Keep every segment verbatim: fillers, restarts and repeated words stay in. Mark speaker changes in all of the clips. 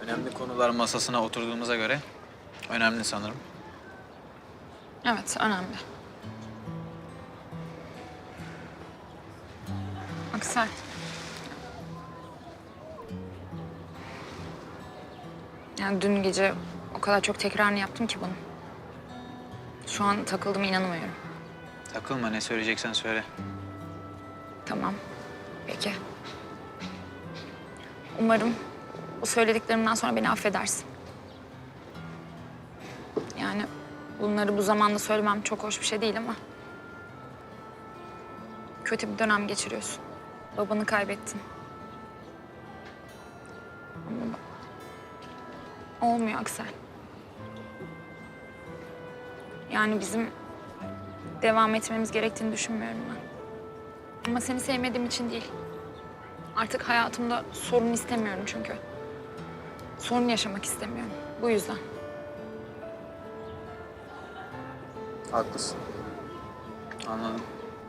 Speaker 1: Önemli konular masasına oturduğumuza göre önemli sanırım.
Speaker 2: Evet, önemli. Aksel. Yani dün gece o kadar çok tekrarını yaptım ki bunu. Şu an takıldım, inanamıyorum.
Speaker 1: Takılma, ne söyleyeceksen söyle.
Speaker 2: Tamam, peki. Umarım bu söylediklerimden sonra beni affedersin. Yani bunları bu zamanda söylemem çok hoş bir şey değil ama... kötü bir dönem geçiriyorsun. Babanı kaybettin. Ama olmuyor Aksel. Yani bizim devam etmemiz gerektiğini düşünmüyorum ben. Ama seni sevmediğim için değil. Artık hayatımda sorun istemiyorum çünkü. Sorun yaşamak istemiyorum. Bu yüzden.
Speaker 1: Haklısın. Anladım.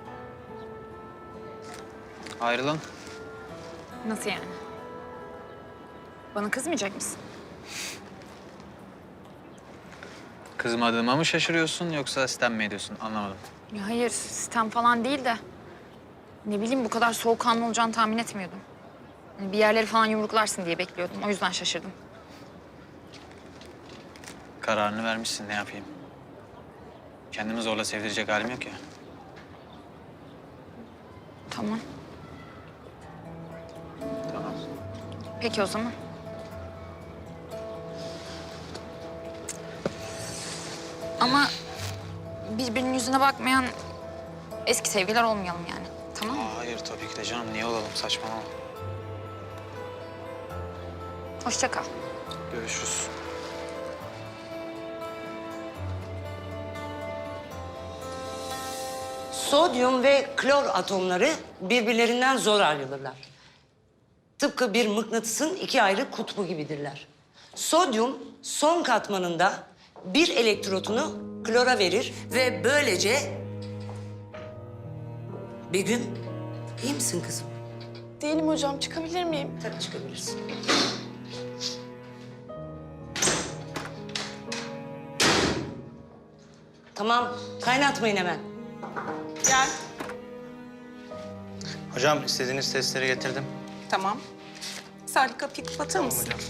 Speaker 1: Ayrılın.
Speaker 2: Nasıl yani? Bana kızmayacak mısın?
Speaker 1: Kızmadığıma mı şaşırıyorsun yoksa sitem mi ediyorsun? Anlamadım.
Speaker 2: Ya hayır, sistem falan değil de... ne bileyim, bu kadar soğukkanlı olacağını tahmin etmiyordum. Hani bir yerleri falan yumruklarsın diye bekliyordum. O yüzden şaşırdım.
Speaker 1: Kararını vermişsin, ne yapayım? Kendimi zorla sevdirecek halim yok ya.
Speaker 2: Tamam.
Speaker 1: Tamam.
Speaker 2: Peki o zaman. Ama birbirinin yüzüne bakmayan eski sevgiler olmayalım yani. Tamam mı?
Speaker 1: Hayır tabii ki de canım. Niye olalım? Saçmalama.
Speaker 2: Hoşça kal.
Speaker 1: Görüşürüz.
Speaker 3: Sodyum ve klor atomları birbirlerinden zor ayrılırlar. Tıpkı bir mıknatısın iki ayrı kutbu gibidirler. Sodyum son katmanında bir elektrotunu klora verir ve böylece... Begüm, iyi misin kızım?
Speaker 4: Değilim hocam. Çıkabilir miyim?
Speaker 3: Tabii çıkabilirsin. Tamam, kaynatmayın hemen.
Speaker 4: Gel.
Speaker 5: Hocam istediğiniz testleri getirdim.
Speaker 4: Tamam. Salih kapıyı kapatır mısın?
Speaker 5: Hocam.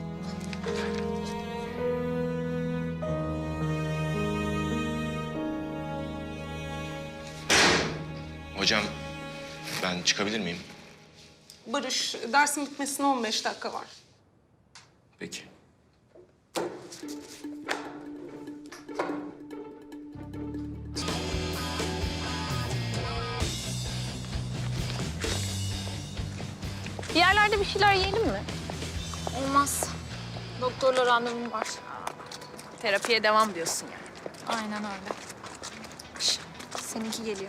Speaker 6: Hocam ben çıkabilir miyim?
Speaker 4: Barış, dersin bitmesine on beş dakika var.
Speaker 6: Peki.
Speaker 2: Bir yerlerde bir şeyler yiyelim mi? Olmaz. Doktorla randevum var.
Speaker 7: Terapiye devam diyorsun yani.
Speaker 2: Aynen öyle. Şş, seninki geliyor.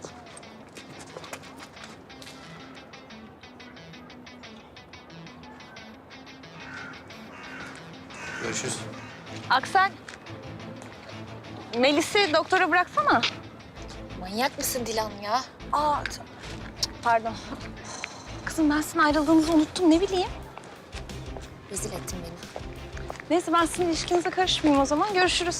Speaker 1: Görüşürüz.
Speaker 7: Aksel. Melis'i doktora bıraksana.
Speaker 2: Manyak mısın Dilan ya?
Speaker 7: Aa, t- pardon. Kızım ben sizin ayrıldığınızı unuttum, ne bileyim.
Speaker 2: Rezil ettin beni.
Speaker 7: Neyse ben sizin ilişkinize karışmayayım o zaman. Görüşürüz.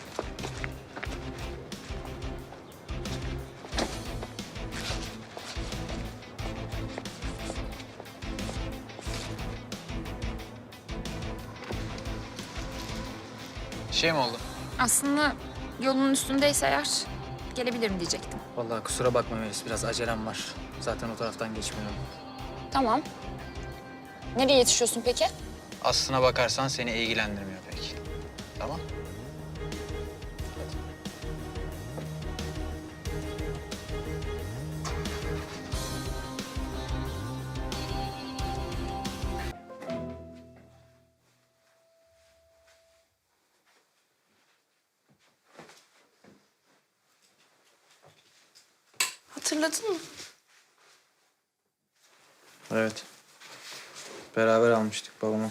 Speaker 1: Şey mi oldu?
Speaker 2: Aslında yolun üstündeyse eğer gelebilirim diyecektim.
Speaker 8: Vallahi kusura bakma Melis, biraz acelem var. Zaten o taraftan geçmiyorum.
Speaker 2: Tamam. Nereye yetişiyorsun peki?
Speaker 1: Aslına bakarsan seni ilgilendirmiyor pek. Tamam.
Speaker 4: Hatırladın mı?
Speaker 8: Evet. Beraber almıştık babama.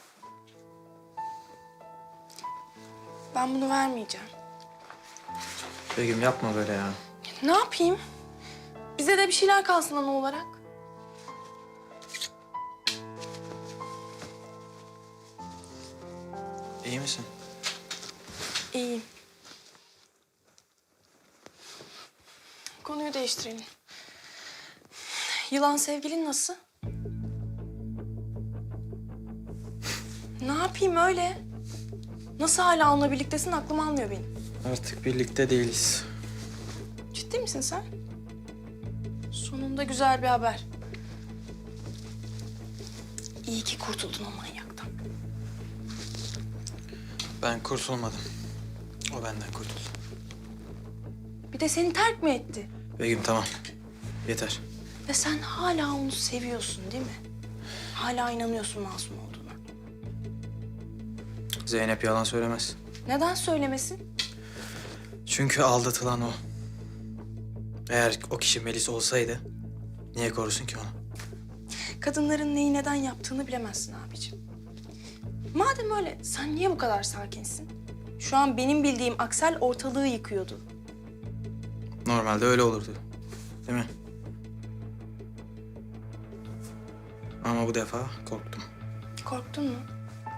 Speaker 4: Ben bunu vermeyeceğim.
Speaker 8: Begüm yapma böyle ya.
Speaker 4: Ne yapayım? Bize de bir şeyler kalsın ana olarak.
Speaker 1: İyi misin?
Speaker 4: İyiyim. Konuyu değiştirelim. Yılan sevgilin nasıl? Ne yapayım öyle? Nasıl hala onunla birliktesin aklım almıyor benim.
Speaker 1: Artık birlikte değiliz.
Speaker 4: Ciddi misin sen? Sonunda güzel bir haber. İyi ki kurtuldun o manyaktan.
Speaker 1: Ben kurtulmadım. O benden kurtuldu.
Speaker 4: Bir de seni terk mi etti?
Speaker 1: Begüm tamam. Yeter.
Speaker 4: Ve sen hala onu seviyorsun değil mi? Hala inanıyorsun masum olduğuna.
Speaker 1: Zeynep yalan söylemez.
Speaker 4: Neden söylemesin?
Speaker 1: Çünkü aldatılan o. Eğer o kişi Melis olsaydı niye korusun ki onu?
Speaker 4: Kadınların neyi neden yaptığını bilemezsin abicim. Madem öyle sen niye bu kadar sakinsin? Şu an benim bildiğim Aksel ortalığı yıkıyordu.
Speaker 1: Normalde öyle olurdu. Değil mi? Ama bu defa korktum.
Speaker 4: Korktun mu?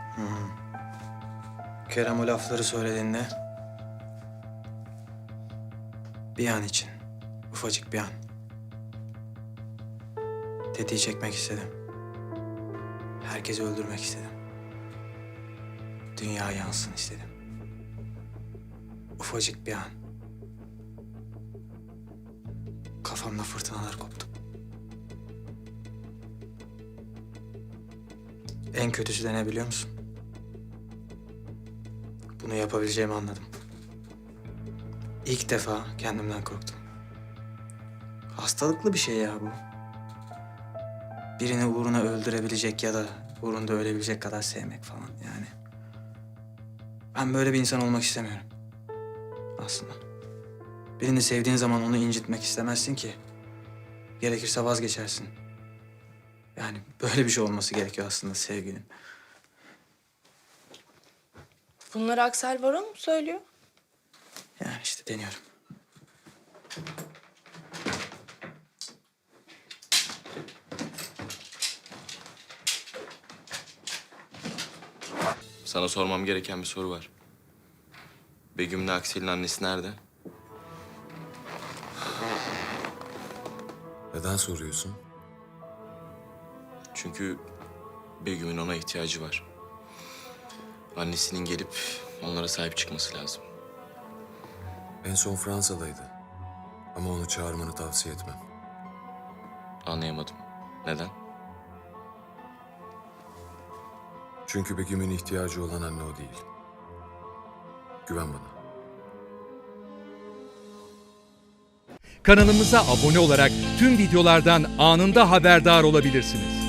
Speaker 1: Kerem o lafları söylediğinde bir an için, ufacık bir an tetiği çekmek istedim. Herkesi öldürmek istedim. Dünya yansın istedim. Ufacık bir an. Kafamda fırtınalar koptu. En kötüsü de ne biliyor musun? Bunu yapabileceğimi anladım. İlk defa kendimden korktum. Hastalıklı bir şey ya bu. Birini uğruna öldürebilecek ya da uğrunda ölebilecek kadar sevmek falan yani. Ben böyle bir insan olmak istemiyorum. Aslında. Birini sevdiğin zaman onu incitmek istemezsin ki. Gerekirse vazgeçersin. Yani böyle bir şey olması gerekiyor aslında sevginin.
Speaker 4: Bunları Aksel Baron mu söylüyor?
Speaker 1: Yani işte deniyorum.
Speaker 6: Sana sormam gereken bir soru var. Begüm'le Aksel'in annesi nerede?
Speaker 9: Neden soruyorsun?
Speaker 6: Çünkü Begüm'ün ona ihtiyacı var. Annesinin gelip onlara sahip çıkması lazım.
Speaker 9: En son Fransa'daydı. Ama onu çağırmanı tavsiye etmem.
Speaker 6: Anlayamadım. Neden?
Speaker 9: Çünkü Begüm'ün ihtiyacı olan anne o değil. Güven bana.
Speaker 10: Kanalımıza abone olarak tüm videolardan anında haberdar olabilirsiniz.